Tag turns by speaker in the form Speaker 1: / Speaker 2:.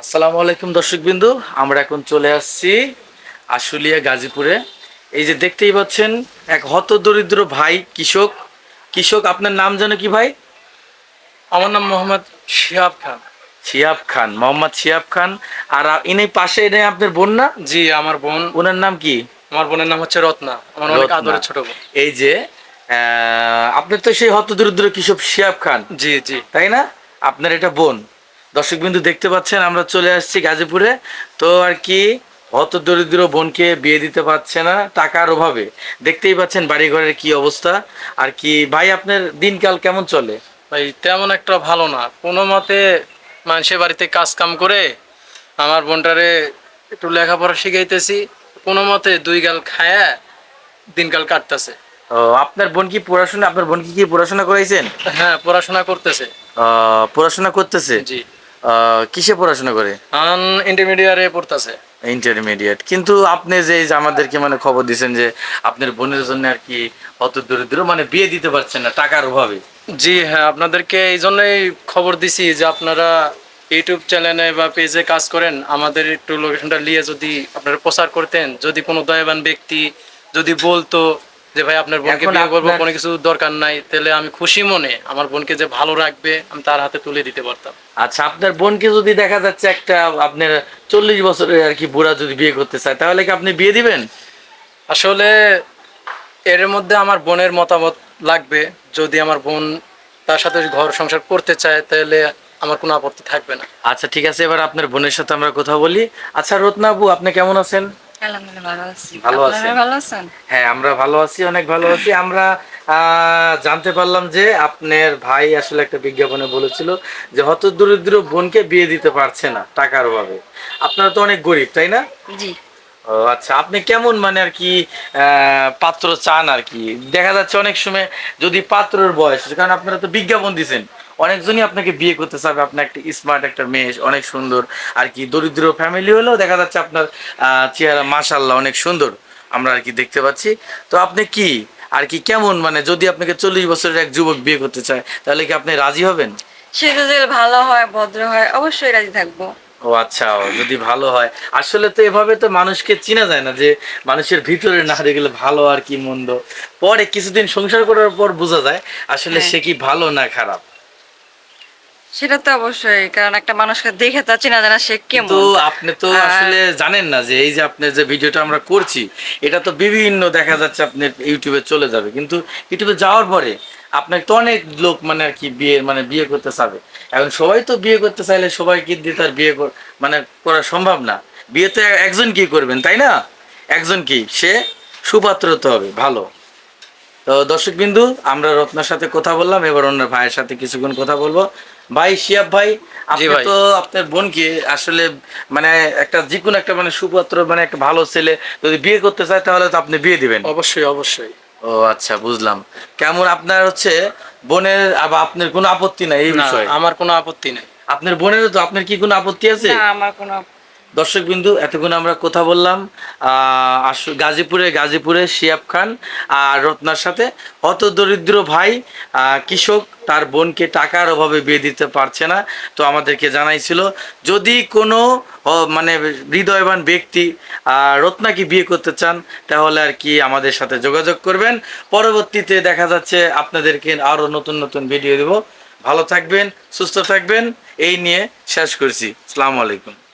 Speaker 1: আসসালামু আলাইকুম দর্শকবিন্দু, আমরা এখন চলে আসছি আশুলিয়া গাজীপুরে। এই যে দেখতেই পাচ্ছেন এক হতদরিদ্র ভাই কৃষক। আপনার নাম জানো কি ভাই?
Speaker 2: আমার নাম মোহাম্মদ শিহাব খান।
Speaker 1: শিহাব খান, মোহাম্মদ শিহাব খান। আর ইনি পাশে এনে আপনার বোন না?
Speaker 2: জি, আমার বোন।
Speaker 1: ওনার নাম কি?
Speaker 2: আমার বোনের নাম হচ্ছে রত্না, আমার অনেক
Speaker 1: রত্না।
Speaker 2: আদরের ছোট বোন।
Speaker 1: এই যে আপনি তো সেই হতদরিদ্র কৃষক শিহাব খান,
Speaker 2: জি জি।
Speaker 1: তাই না? আপনার এটা বোন। দর্শকবিন্দু দেখতে পাচ্ছেন আমরা চলে আসছি গাজীপুরে। তো আর কি হত দরিদ্র বোনকে বিয়ে দিতে পারছে না টাকার অভাবে। দেখতেই পাচ্ছেন বাড়িঘরের কি অবস্থা। আর কি ভাই, আপনার দিনকাল কেমন চলে?
Speaker 2: ভাই তেমন একটা ভালো না, কোনো মতে মানুষের বাড়িতে কাজ কাম করে আমার বোনটারে একটু লেখাপড়া শিখাইতেছি, কোনো মতে দুই গাল খায়া দিনকাল কাটতেছে।
Speaker 1: ও, আপনার বোন কি পড়াশোনা, আপনার বোনকে কি পড়াশোনা করাইছেন?
Speaker 2: হ্যাঁ, পড়াশোনা করতেছে।
Speaker 1: পড়াশোনা করতেছে?
Speaker 2: জি।
Speaker 1: কিসে পড়াশোনা করে?
Speaker 2: ইন্টারমিডিয়ারে পড়তেছে।
Speaker 1: ইন্টারমিডিয়েট। কিন্তু আপনি যে এই যে আমাদেরকে মানে খবর দিচ্ছেন যে আপনার বোনের জন্য আর কি হত দরিদ্র মানে বিয়ে দিতে পারছেন না টাকার অভাবে।
Speaker 2: জি হ্যাঁ, আপনাদেরকে এই জন্যই খবর দিছি যে আপনারা ইউটিউব চ্যানেলে বা পেজে কাজ করেন, আমাদের একটু লোকেশনটা নিয়ে যদি আপনারা প্রচার করতেন, যদি কোনো দয়াবান ব্যক্তি যদি বলতো যে ভাই আপনার বোনকে
Speaker 1: এখন
Speaker 2: বিয়ে করবো,
Speaker 1: আপনার
Speaker 2: কোনো কিছু দরকার নাই, তাহলে আমি খুশি মনে আমার বোনকে যে ভালো রাখবে আমি তার হাতে তুলে দিতে পারতাম।
Speaker 1: আচ্ছা, আপনার বোনকে যদি দেখা যাচ্ছে একটা আপনার 40 বছরের আর কি বুড়া যদি বিয়ে করতে চায়, তাহলে কি আপনি বিয়ে দিবেন?
Speaker 2: আসলে এর মধ্যে আমার বোনের মতামত লাগবে। যদি আমার বোন তার সাথে ঘর সংসার করতে চায় তাহলে আমার কোনো আপত্তি থাকবে না।
Speaker 1: আচ্ছা ঠিক আছে, এবার আপনার বোনের সাথে আমরা কথা বলি। আচ্ছা রত্না আপু, আপনি কেমন আছেন?
Speaker 3: আলহামদুলিল্লাহ ভালো আছি।
Speaker 1: ভালো
Speaker 3: আপনারা
Speaker 1: আছেন?
Speaker 3: ভালো আছেন?
Speaker 1: হ্যাঁ, আমরা ভালো আছি, অনেক ভালো আছি। আমরা জানতে পারলাম যে আপনার ভাই আসলে একটা বিজ্ঞাপনে বলেছিল যে হতদরিদ্র বোনকে বিয়ে দিতে পারছে না টাকার অভাবে। আপনারা তো অনেক গরিব, তাই না?
Speaker 3: জি।
Speaker 1: ও আচ্ছা, আপনি কেমন মানে আর কি পাত্র চান আর কি? দেখা যাচ্ছে অনেক সময় যদি পাত্রের বয়স, কারণ আপনারা তো বিজ্ঞাপন দিছেন, অনেকজনই আপনাকে বিয়ে করতে চাবে। আপনার একটা স্মার্ট একটা মেয়ে, অনেক সুন্দর আর কি, দরিদ্র ফ্যামিলি হলেও দেখা যাচ্ছে আপনার চেহারা মাশাআল্লাহ অনেক সুন্দর আমরা আর কি দেখতে পাচ্ছি। তো আপনি কি আর কি কেমন মানে যদি আপনাকে 40 বছরের এক যুবক বিয়ে করতে চায়, তাহলে কি আপনি রাজি হবেন?
Speaker 3: সে যদি ভালো হয়, ভদ্র হয়, অবশ্যই রাজি থাকবো।
Speaker 1: ও আচ্ছা, ও যদি ভালো হয়। আসলে তো এভাবে তো মানুষকে চেনা যায় না, যে মানুষের ভিতরে না দেখলে ভালো আর কি মন্দ পরে কিছুদিন সংসার করার পর বোঝা যায় আসলে
Speaker 3: হ্যাঁ,
Speaker 1: সে কি ভালো না খারাপ।
Speaker 3: সেটা তো অবশ্যই, কারণ একটা মানুষকে দেখে তা চেনা যায় না সে
Speaker 1: কিন্তু
Speaker 3: কেমন।
Speaker 1: আপনি তো
Speaker 3: আর
Speaker 1: আসলে জানেন না যে এই যে আপনার যে ভিডিওটা আমরা করছি, এটা তো বিভিন্ন দেখা যাচ্ছে আপনার ইউটিউবে চলে যাবে, কিন্তু ইউটিউবে যাওয়ার পরে আপনাকে তো অনেক লোক মানে আর কি বিয়ে মানে বিয়ে করতে চাবে। এখন সবাই তো বিয়ে করতে চাইলে সবাই কি দিয়ে তার বিয়ে মানে করা সম্ভব না। বিয়ে তো একজন কি করবেন, তাই না? একজন কি সে সুপাত্র হতে হবে ভালো। তো দর্শক বিন্দু, আমরা রত্নার সাথে কথা বললাম, এবার অন্য ভাইয়ের সাথে কিছুক্ষণ কথা বলবো। ভাই শিয়াব ভাই,
Speaker 2: জি
Speaker 1: আপনি
Speaker 2: ভাই।
Speaker 1: তো আপনার বোনকে আসলে মানে একটা যে কোনো একটা মানে সুপাত্র মানে একটা ভালো ছেলে যদি বিয়ে করতে চায়, তাহলে তো আপনি বিয়ে দিবেন।
Speaker 2: অবশ্যই অবশ্যই।
Speaker 1: ও আচ্ছা, বুঝলাম। কেমন আপনার হচ্ছে বোনের, আবার আপনার কোনো আপত্তি নাই এই
Speaker 2: না,
Speaker 1: বিষয়ে?
Speaker 2: আমার কোনো আপত্তি নেই।
Speaker 1: আপনার বোনেরও তো, আপনার কি কোনো আপত্তি আছে?
Speaker 3: না, আমার কোনো
Speaker 1: দর্শকবিন্দু, এতক্ষণ আমরা কথা বললাম গাজীপুরে শিয়াব খান আর রত্নার সাথে। হতদরিদ্র ভাই কৃষক তার বোনকে টাকার অভাবে বিয়ে দিতে পারছে না। তো আমাদেরকে জানাইছিল যদি কোনো মানে হৃদয়বান ব্যক্তি রত্নাকে বিয়ে করতে চান, তাহলে আর কি আমাদের সাথে যোগাযোগ করবেন। পরবর্তীতে দেখা যাচ্ছে আপনাদেরকে আরও নতুন নতুন ভিডিও দেব। ভালো থাকবেন, সুস্থ থাকবেন, এই নিয়ে শেষ করছি। আসসালামু আলাইকুম।